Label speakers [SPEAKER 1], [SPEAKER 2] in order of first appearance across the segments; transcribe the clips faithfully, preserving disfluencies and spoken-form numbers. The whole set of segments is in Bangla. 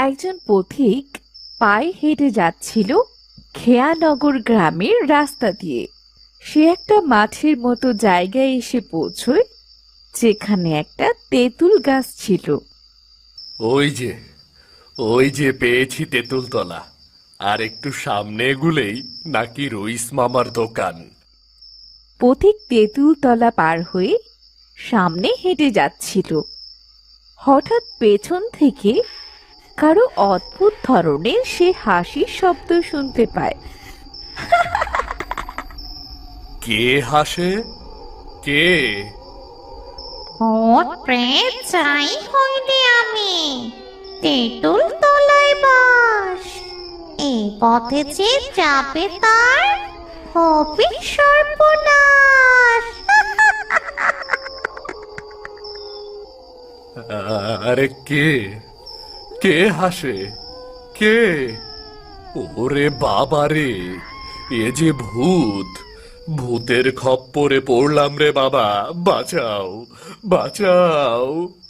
[SPEAKER 1] একজন পথিক পায়ে হেঁটে যাচ্ছিল খেয়ানগর গ্রামের রাস্তা দিয়ে। সে একটা মাঠের মতো জায়গায় এসে পৌঁছয়, যেখানে একটা তেঁতুল গাছ ছিল।
[SPEAKER 2] ওই যে ওই যে পেয়েছি তেঁতুল তলা। আর একটু সামনে এগুলেই নাকি রইস মামার দোকান।
[SPEAKER 1] পথিক তেঁতুল তলা পার হয়ে সামনে হেঁটে যাচ্ছিল। হঠাৎ পেছন থেকে কারো অদ্ভুত ধরনের সে হাসির শব্দ শুনতে পায়।
[SPEAKER 2] কে হাসে? কে?
[SPEAKER 3] ভূত প্রেত চাই হইলে আমি, তেঁতুল তলায় বাস। এই পথে যে যাবে তার হবে সর্বনাশ।
[SPEAKER 2] আরে কে? কে হাসে? কে? ওরে বাবা রে, এ যে ভূত! ভূতের খপ্পরে পড়লাম রে বাবা, বাঁচাও, বাঁচাও।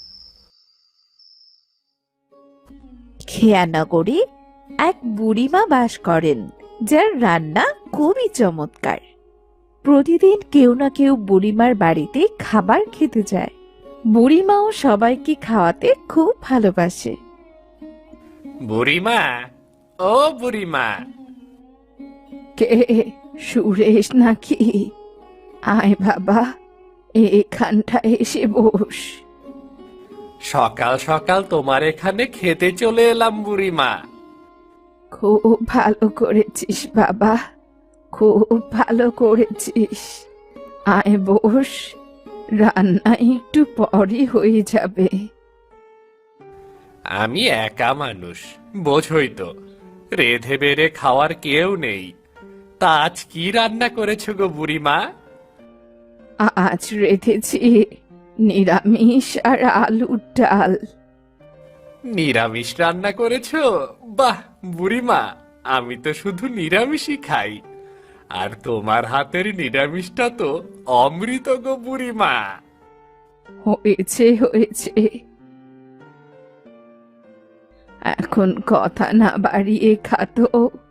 [SPEAKER 1] খেয়ানগরে এক বুড়িমা বাস করেন, যার রান্না খুবই চমৎকার। প্রতিদিন কেউ না কেউ বুড়িমার বাড়িতে খাবার খেতে যায়। বুড়িমাও সবাইকে খাওয়াতে খুব ভালোবাসে।
[SPEAKER 2] বুড়িমা, ও বুড়িমা।
[SPEAKER 1] কে? সুরেশ নাকি? আয় বাবা, এখানটায় এসে বস।
[SPEAKER 2] সকাল সকাল তোমার এখানে খেতে চলে এলাম বুড়িমা।
[SPEAKER 1] খুব ভালো করেছিস বাবা, খুব ভালো করেছিস। আয় বস, রান্না একটু পরই হয়ে যাবে।
[SPEAKER 2] আমি একা মানুষ, বোঝই তো, রেধে বেড়ে খাওয়ার কেউ নেই। তা আজ কি রান্না করেছো গো বুড়িমা?
[SPEAKER 1] আজ রেঁধেছি নিরামিষ আর আলুর ডাল।
[SPEAKER 2] নিরামিষ রান্না করেছো? বাহ বুড়িমা, আমি তো শুধু নিরামিষই খাই। আর তোমার হাতের নিরামিষটা তো অমৃত গো বুড়িমা।
[SPEAKER 1] হয়েছে হয়েছে, এখন কথা না বাড়িয়ে খাতো।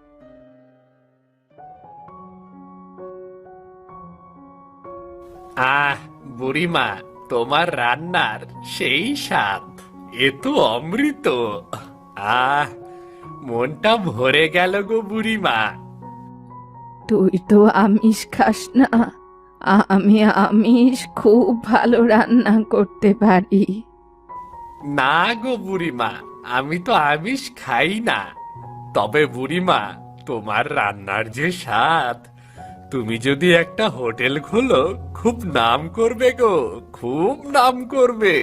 [SPEAKER 2] আহ বুড়িমা, তোমার রান্নার সেই স্বাদ, এ তো অমৃত। আহ, মনটা ভরে গেল গো বুড়িমা।
[SPEAKER 1] তুই তো আমিষ খাস না, আমি আমিষ খুব ভালো রান্না করতে পারি।
[SPEAKER 2] না গো বুড়িমা, আমি তো আমিষ খাই না। তবে বুড়িমা, তোমার রান্নার যে স্বাদ, তুমি যদি একটা হোটেল খোলো, খুব নাম করবে গো, খুব নাম করবে।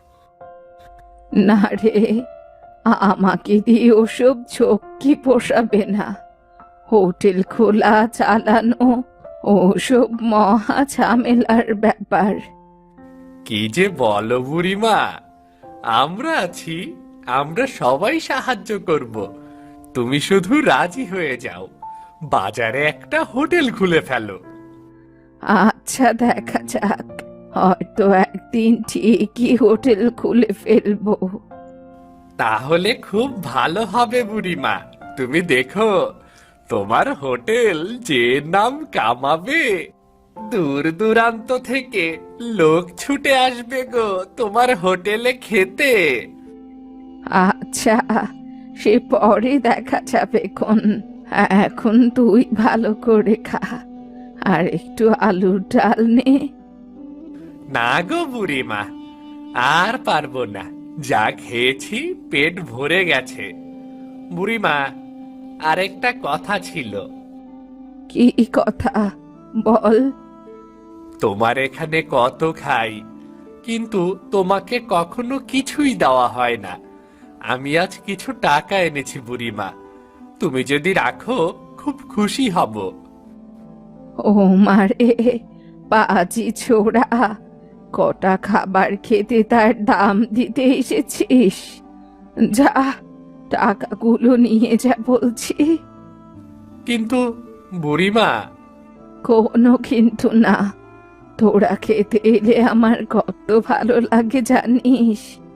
[SPEAKER 1] না রে, আমাকে দিয়ে ওসব ঝক্কি পোষাবে না। হোটেল খোলা চালানো ওসব মহা ঝামেলার ব্যাপার।
[SPEAKER 2] কি যে বলো বুড়িমা, আমরা আছি, আমরা সবাই সাহায্য করব। তুমি শুধু রাজি হয়ে যাও, বাজারে একটা হোটেল খুলে ফেলো।
[SPEAKER 1] আচ্ছা, দেখা যাক, হয়তো একদিন ঠিকই হোটেল খুলে ফেলবো।
[SPEAKER 2] তাহলে খুব ভালো হবে বুড়িমা। তুমি দেখো, তোমার হোটেল যে নাম কামাবে, দূর দূরান্ত থেকে লোক ছুটে আসবে গো তোমার হোটেলে খেতে।
[SPEAKER 1] আচ্ছা, সে পরে দেখা যাবে কোন। এখন তুই ভালো করে খা, আর একটু আলুর ডাল নে।
[SPEAKER 2] না গো বুড়িমা, আর পারবো না, যা খেয়েছি পেট ভরে গেছে। বুড়িমা, আরেকটা কথা ছিল।
[SPEAKER 1] কি কথা? বল।
[SPEAKER 2] তোমার এখানে কত খাই, কিন্তু তোমাকে কখনো কিছুই দেওয়া হয় না। আমি আজ কিছু টাকা এনেছি বুড়িমা, তুমি যদি রাখো খুব খুশি হব।
[SPEAKER 1] ও মারে, পাজি ছোড়া, কটা খাবার খেতে তার দাম দিতে এসেছিস? যা, টাকাগুলো নিয়ে যা বলছি।
[SPEAKER 2] কিন্তু বুড়িমা।
[SPEAKER 1] কোনো কিন্তু না, তোরা খেতে এলে আমার কত ভালো লাগে জানিস।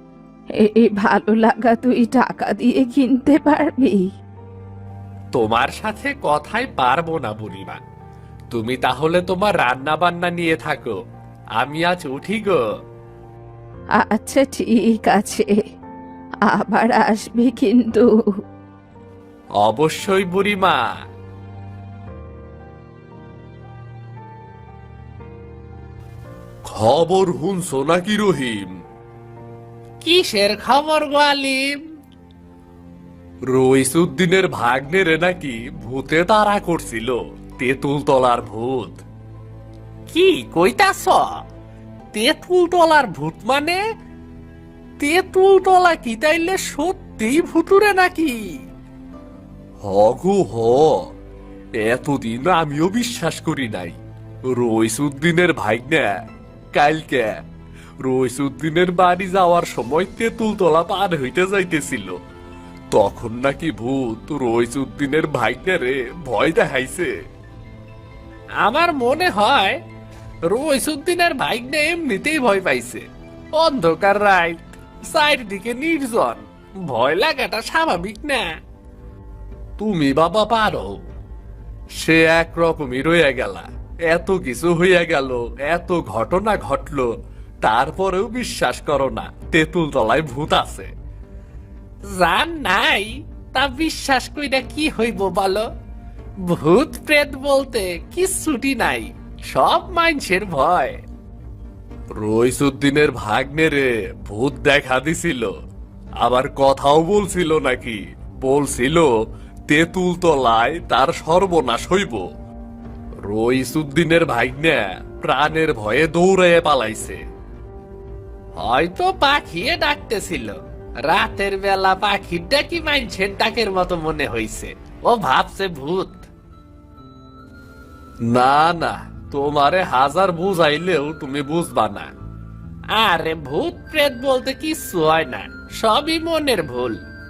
[SPEAKER 1] এই ভালো লাগা তুই টাকা দিয়ে কিনতে পারবি?
[SPEAKER 2] তোমার সাথে কথাই পারবো না বুড়িমা। তুমি তাহলে তোমার রান্না বান্না নিয়ে থাকো, আমি আজ উঠি গো।
[SPEAKER 1] আচ্ছা ঠিক আছে, আবার আসবি কিন্তু।
[SPEAKER 2] অবশ্যই বুড়িমা। খবর শুনছো নাকি রহিম? কিসের খবর গো আলিম? রইসুদ্দিনের ভাগ্নেরে নাকি ভূতে তাড়া করছিল, তেঁতুল তলার ভূত। কি কইতাছ? তেঁতুল তলার ভূত মানে? তেঁতুল তলা কি তাইলে সত্যিই ভুতুরে নাকি? হগু হ, এতদিন আমিও বিশ্বাস করি নাই। রইসুদ্দিনের ভাগ্নে কালকে রইসুদ্দিনের বাড়ি যাওয়ার সময় তেঁতুল তলা পার হইতে যাইতেছিল, তখন নাকি ভূত রইসুদ্দিনের ভাগ্নেরে ভয় দেখাইছে। আমার মনে হয় রইসুদ্দিনের ভাগ্নে এমনিতেই ভয় পাইছে। অন্ধকার রাত, চারিদিকে নির্জন, ভয় লাগাটা স্বাভাবিক না। তুমি বাবা পারো। সে একরকমই রয়ে গেলা, এত কিছু হইয়া গেল, এত ঘটনা ঘটলো, তারপরেও বিশ্বাস করো না তেঁতুল তলায় ভূত আছে? জান নাই তা বিশ্বাস কইরা কি হইব বলো? ভূত প্রেত বলতে কিচ্ছুটি নাই, সব মানুষের ভয়। রইসুদ্দিনের ভাগ্নেরে ভূত দেখা দিছিল, আবার কথাও বলছিল নাকি, বলছিল তেঁতুল তলায় তার সর্বনাশ হইব। রইসুদ্দিনের ভাগ্নে প্রাণের ভয়ে দৌড়াইয়া পালাইছে। হয়তো পাখিয়ে ডাকতেছিল, রাতের বেলা পাখির ডাকি মানুষের ডাকের মতো মনে হইছে, ও ভাবছে ভূত। না না, তোমারে হাজার বুঝাইলেও তুমি বুঝবা না। আরে ভূত প্রেত বলতে কিচ্ছু হয় না, সবই মনের ভুল।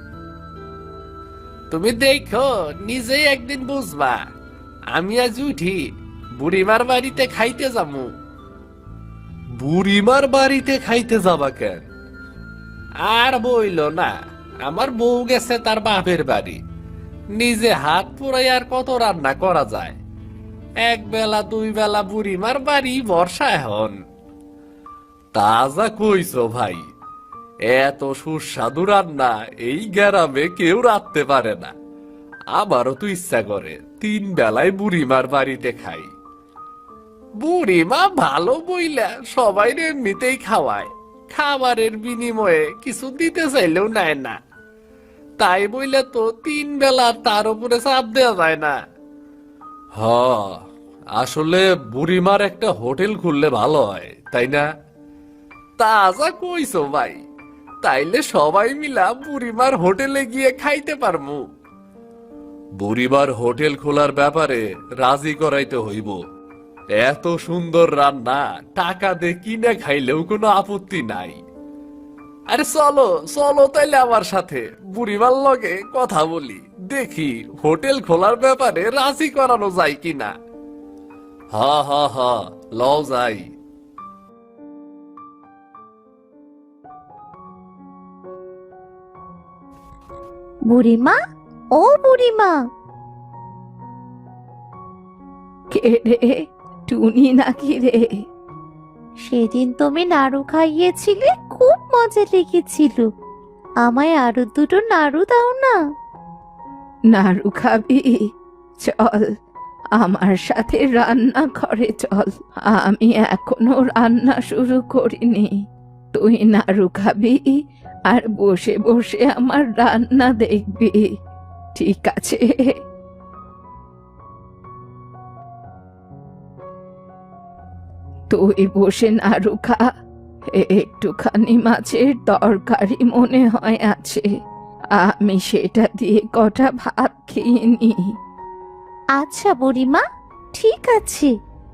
[SPEAKER 2] তুমি দেখো নিজেই একদিন বুঝবা। আমি আজ উঠি, বুড়িমার বাড়িতে খাইতে যাবো। বুড়িমার বাড়িতে খাইতে যাবা কেন? আর বইল না, আমার বউ গেছে তার বাপের বাড়ি। নিজে হাত পুরাই আর কত রান্না করা যায়? এক বেলা দুই বেলা বুড়িমার বাড়ি বর্ষা এখন। তাজা কইছো ভাই, এত সুস্বাদু রান্না এই গ্রামে কেউ রাখতে পারে না। আমারও তো ইচ্ছা করে তিন বেলায় বুড়িমার বাড়িতে খাই। বুড়িমা ভালো বইলা সবাই এমনিতেই খাওয়ায়, খাবারের বিনিময়ে কিছু দিতে চাইলেও নেয় না। তাই বইলে তো তিন বেলা তার উপরে চাপ দেওয়া যায় না। হ, আসলে বুড়িমার একটা হোটেল খুললে ভালো হয়, তাই না? তাজা কইছো ভাই, তাইলে সবাই মিলা বুড়িমার হোটেলে গিয়ে খাইতে পারমু। বুড়িমার হোটেল খোলার ব্যাপারে রাজি করাইতে হইব। এত সুন্দর রান্না টাকা দিয়ে কিনে খাইলেও কোনো আপত্তি নাই। আরে চলো চলো তাইলে আমার সাথে বুড়িমার লগে কথা বলি, দেখি হোটেল খোলার ব্যাপারে রাজি করানো যায় কিনা। হা হা হা, লও যাই।
[SPEAKER 3] বুড়িমা, ও বুড়িমা,
[SPEAKER 1] কে রে? টুনি নাকি রে?
[SPEAKER 3] সেদিন তুমি নাড়ু খাইয়েছিলে, খুব মজা লেগেছিল। আমায় আরো দুটো নাড়ু দাও না।
[SPEAKER 1] নাড়ু খাবি? চল আমার সাথে রান্না ঘরে চল, আমি এখনো রান্না শুরু করিনি। তুই নাড়ু খাবি আর বসে বসে আমার রান্না দেখবি, ঠিক আছে? তুই বসে নাড়ু খা, একটুখানি মাছের তরকারি মনে হয় আছে, আমি সেটা দিয়ে কটা ভাত খেয়ে নি।
[SPEAKER 3] আচ্ছা বুড়িমা, ঠিক আছে।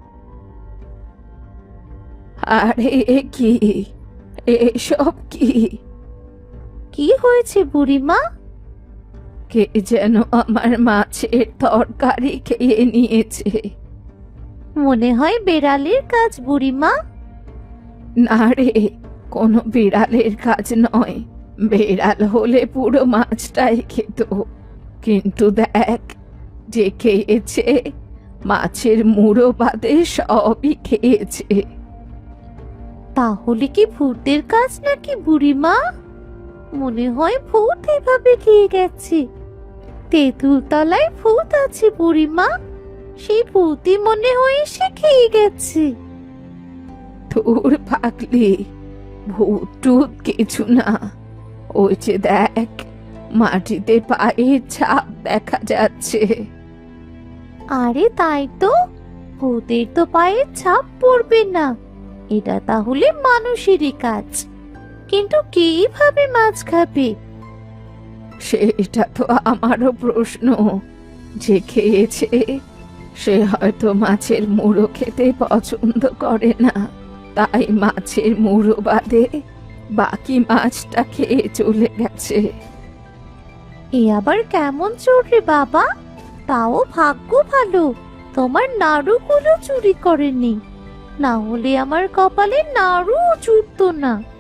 [SPEAKER 1] আরে এ কি, এসব কি?
[SPEAKER 3] কি হয়েছে বুড়িমা?
[SPEAKER 1] কে যেন আমার মাছের তরকারি খেয়ে নিয়েছে।
[SPEAKER 3] মনে হয় বেড়ালের কাজ বুড়িমা।
[SPEAKER 1] না রে, কোনো বিড়ালের কাজ নয়, বেড়াল হলে পুরো মাছটাই খেত, কিন্তু দেখ, যে খেয়েছে মাছের মুড়ো বাদে সবই খেয়েছে।
[SPEAKER 3] তাহলে কি ভূতের কাজ নাকি বুড়িমা? মনে হয় ভূত এভাবে খেয়ে গেছে। তেঁতুল তলায় ভূত আছে বুড়িমা, সেই ভূতই মনে হয় সে খেয়ে গেছে।
[SPEAKER 1] তোর পাগলি, ভূত টুত কিছু না। ওই যে দেখ, মাটিতে পায়ের ছাপ দেখা যাচ্ছে।
[SPEAKER 3] আরে তাই তো, ভূতের তো পায়ের ছাপ পড়বে না, এটা তাহলে মানুষেরই কাজ। কিন্তু কিভাবে মাছ খাবে?
[SPEAKER 1] সেটা তো আমারও প্রশ্ন। যে খেয়েছে সে হয়তো মাছের মুড়ো খেতে পছন্দ করে না, তাই মাছের মুড়ো বাদে বাকি মাছটা খেয়ে চলে গেছে।
[SPEAKER 3] এ আবার কেমন চোর রে বাবা? তাও ভাগ্য ভালো তোমার নাড়ুগুলো চুরি করেনি, না হলে আমার কপালে নাড়ু জুটতো না।